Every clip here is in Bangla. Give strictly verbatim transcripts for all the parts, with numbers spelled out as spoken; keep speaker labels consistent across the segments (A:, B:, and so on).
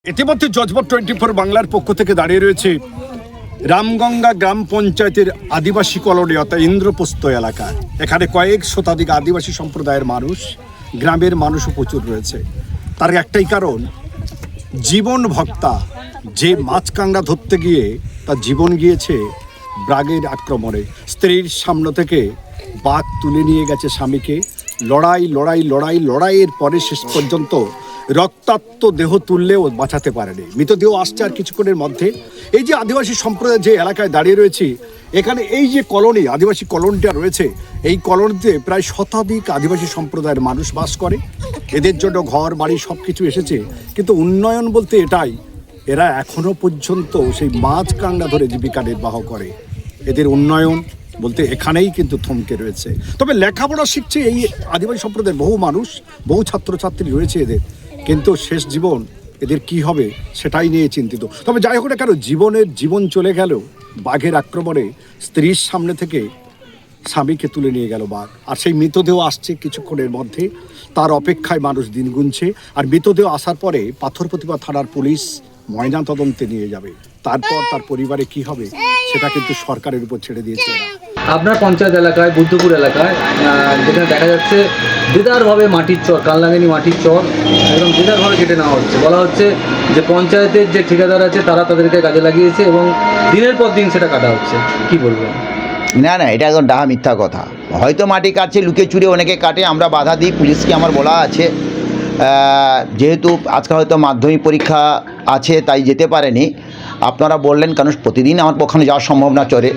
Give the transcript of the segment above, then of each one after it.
A: ইতিমধ্যে জজবাত টোয়েন্টি ফোর বাংলার পক্ষ থেকে দাঁড়িয়ে রয়েছে রামগঙ্গা গ্রাম পঞ্চায়েতের আদিবাসী কলোনি অর্থাৎ ইন্দ্রপ্রস্থ এলাকায়। এখানে কয়েক শতাধিক আদিবাসী সম্প্রদায়ের মানুষ, গ্রামের মানুষও প্রচুর রয়েছে। তার একটাই কারণ, জীবন ভক্তা যে মাছ কাঁকড়া ধরতে গিয়ে তার জীবন গিয়েছে বাঘের আক্রমণে। স্ত্রীর সামনে থেকে বাঘ তুলে নিয়ে গেছে স্বামীকে। লড়াই লড়াই লড়াই লড়াইয়ের পরে শেষ পর্যন্ত রক্তাক্ত দেহ তুললেও বাঁচাতে পারেনি। মৃতদেহ আসছে আর কিছুক্ষণের মধ্যে। এই যে আদিবাসী সম্প্রদায় যে এলাকায় দাঁড়িয়ে রয়েছি, এখানে এই যে কলোনি, আদিবাসী কলোনিটা রয়েছে, এই কলোনিতে প্রায় শতাধিক আদিবাসী সম্প্রদায়ের মানুষ বাস করে। এদের জন্য ঘর বাড়ি সব কিছু এসেছে, কিন্তু উন্নয়ন বলতে এটাই, এরা এখনো পর্যন্ত সেই মাছ কাঁকড়া ধরে জীবিকা নির্বাহ করে। এদের উন্নয়ন বলতে এখানেই কিন্তু থমকে রয়েছে। তবে লেখাপড়া শিখছে এই আদিবাসী সম্প্রদায়ের বহু মানুষ, বহু ছাত্রছাত্রী রয়েছে এদের, কিন্তু শেষ জীবন এদের কি হবে সেটাই নিয়ে চিন্তিত। তবে যাই হোক না কেন, জীবনের জীবন চলে গেল বাঘের আক্রমণে। স্ত্রীর সামনে থেকে স্বামীকে তুলে নিয়ে গেল বাঘ, আর সেই মৃতদেহ আসছে কিছুক্ষণের মধ্যে। তার অপেক্ষায় মানুষ দিন গুনছে। আর মৃতদেহ আসার পরে পাথর প্রতিভা থানার পুলিশ ময়না তদন্তে নিয়ে যাবে। তারপর তার পরিবারে কি হবে সেটা কিন্তু সরকারের উপর ছেড়ে দিয়েছে।
B: আপনার পঞ্চায়েত এলাকায়, বুদ্ধপুর এলাকায়, যেখানে দেখা যাচ্ছে দেদারভাবে মাটির চর, কালনাগিনী মাটির চর একদম দেদারভাবে কেটে নেওয়া হচ্ছে। বলা হচ্ছে যে পঞ্চায়েতের যে ঠিকাদার আছে তারা তাদেরকে কাজে লাগিয়েছে এবং দিনের পর দিন সেটা কাটা হচ্ছে। কি বলবেন?
C: না না, এটা একদম ডাহা মিথ্যা কথা। হয়তো মাটি কাটছে, লুকিয়ে চুরে অনেকে কাটে, আমরা বাধা দিই। পুলিশকে আমার বলা আছে, যেহেতু আজকে হয়তো মাধ্যমিক পরীক্ষা আছে তাই যেতে পারেনি। আপনারা বললেন, কারণ প্রতিদিন আমার ওখানে যাওয়া সম্ভব না চরে,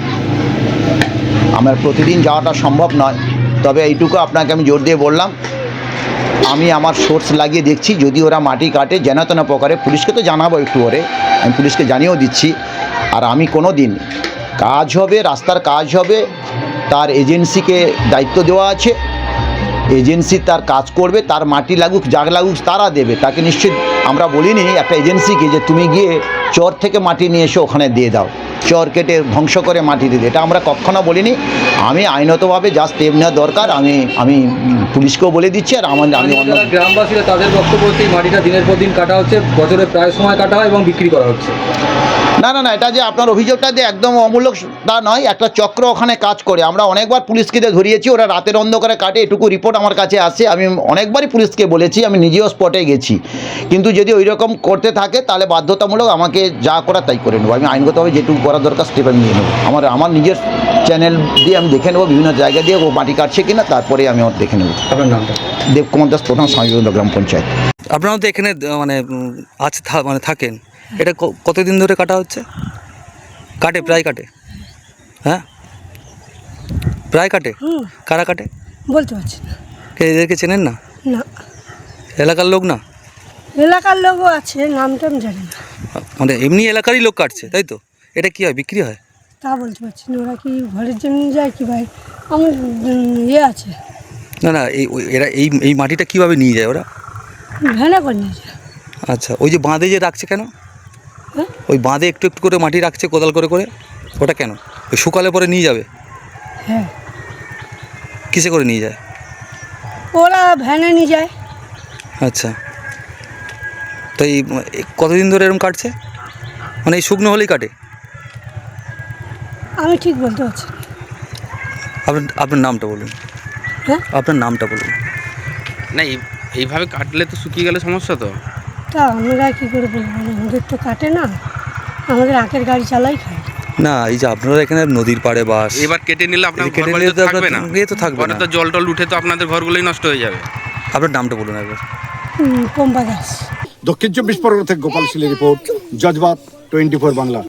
C: আমার প্রতিদিন যাওয়াটা সম্ভব নয়। তবে এইটুকু আপনাকে আমি জোর দিয়ে বললাম, আমি আমার সোর্স লাগিয়ে দেখছি, যদি ওরা মাটি কাটে যেন তেন প্রকারে পুলিশকে তো জানাবো একটু ওরে, আমি পুলিশকে জানিয়েও দিচ্ছি। আর আমি কোনো দিন কাজ হবে, রাস্তার কাজ হবে, তার এজেন্সিকে দায়িত্ব দেওয়া আছে, এজেন্সি তার কাজ করবে, তার মাটি লাগুক জাগ লাগুক তারা দেবে। তাকে নিশ্চিত আমরা বলিনি একটা এজেন্সিকে যে তুমি গিয়ে চর থেকে মাটি নিয়ে এসে ওখানে দিয়ে দাও, চর কেটে ধ্বংস করে মাটি দিয়ে দেয়, এটা আমরা কখনো বলিনি। আমি আইনতভাবে যা স্টেপ নেওয়া দরকার আমি আমি পুলিশকেও বলে দিচ্ছি। আর আমার আমি অন্য
B: গ্রামবাসীরা তাদের বক্তব্য হচ্ছে এই মাটিটা দিনের পর দিন কাটা হচ্ছে, বছরে প্রায় সময় কাটা হয় এবং বিক্রি করা হচ্ছে।
C: না না না, এটা যে আপনার অভিযোগটা যে একদম অমূলক তা নয়, একটা চক্র ওখানে কাজ করে। আমরা অনেকবার পুলিশকে ধরিয়েছি, ওরা রাতের অন্ধকারে কাটে, এটুকু রিপোর্ট আমার কাছে আসে। আমি অনেকবারই পুলিশকে বলেছি, আমি নিজেও স্পটে গেছি। কিন্তু যদি ওই রকম করতে থাকে তাহলে বাধ্যতামূলক আমাকে যা করা তাই করে নেবো। আমি আইনগতভাবে যেটুকু করা দরকার স্টেপ আমি নিয়ে নেবো। আমার আমার নিজের চ্যানেল দিয়ে আমি দেখে নেবো বিভিন্ন জায়গা দিয়ে ও মাটি কাটছে কিনা, তারপরে আমি ওর দেখে নেবো।
B: আপনার নামটা?
C: দেবকুমার দাস, প্রধান স্বামীগঞ্জ গ্রাম পঞ্চায়েত।
D: আপনারা তো এখানে মানে আছে, মানে থাকেন, এটা কতদিন ধরে কাটা হচ্ছে? কাটে, প্রায় কাটে? হ্যাঁ, প্রায় কাটে। কারা কাটে
E: বলতে পারছি না।
D: এদেরকে চেনেন না?
E: না,
D: এলাকার লোক না?
E: এলাকার লোকও আছে, নামটা আমি জানি না।
D: মানে এমনি এলাকারই লোক কাটছে, তাই তো? এটা কি হয়, বিক্রি হয়?
E: তা বলতে পারছি না। ওরা কি ঘরের জন্য যায় কি ভাই, আমার ইয়ে আছে।
D: না না, এই এরা এই এই মাটিটা কীভাবে নিয়ে যায় ওরা?
E: ভ্যানে করে নিয়ে যায়।
D: আচ্ছা, ওই যে বাঁধে যে রাখছে কেন?
E: হ্যাঁ,
D: ওই বাঁধে একটু একটু করে মাটি রাখছে কোদাল করে করে, ওটা কেন? ওই শুকালে পরে নিয়ে যাবে?
E: হ্যাঁ।
D: কিসে করে নিয়ে যায়?
E: ওরা ভ্যানে নিয়ে যায়।
D: আচ্ছা, তো এই কতদিন ধরে এরকম কাটছে? মানে এই শুকনো হলেই কাটে?
E: আমি ঠিক বলতে পারছি না।
D: আপনার আপনার নামটা বলুন।
E: হ্যাঁ,
D: আপনার নামটা বলুন।
F: না, এই এইভাবে কাটলে তো শুকিয়ে গেলে সমস্যা তো।
E: তা আমরা কী করে বলবো, আমাদের তো কাটে না, আমাদের আখের গাড়ি চালাই খাই।
D: না, এই যে আপনারা এখানে নদীর পাড়ে বাস,
F: এবার কেটে নিলে আপনার
D: এই কেটে
F: ঘরবাড়ি
D: নিলে
F: তো
D: তো
F: থাকবে
D: আপনার-
F: না,
D: এ তো থাকবে
F: পরে
D: না।
F: তো জল টল উঠে তো আপনাদের ঘরগুলোই নষ্ট হয়ে যাবে।
D: আপনার নামটা বলুন একবার।
E: হুম, পম্পা দাস।
A: দক্ষিণ চব্বিশ পরগনা থেকে গোপাল শীলের report, Jazbaat twenty four Bangla.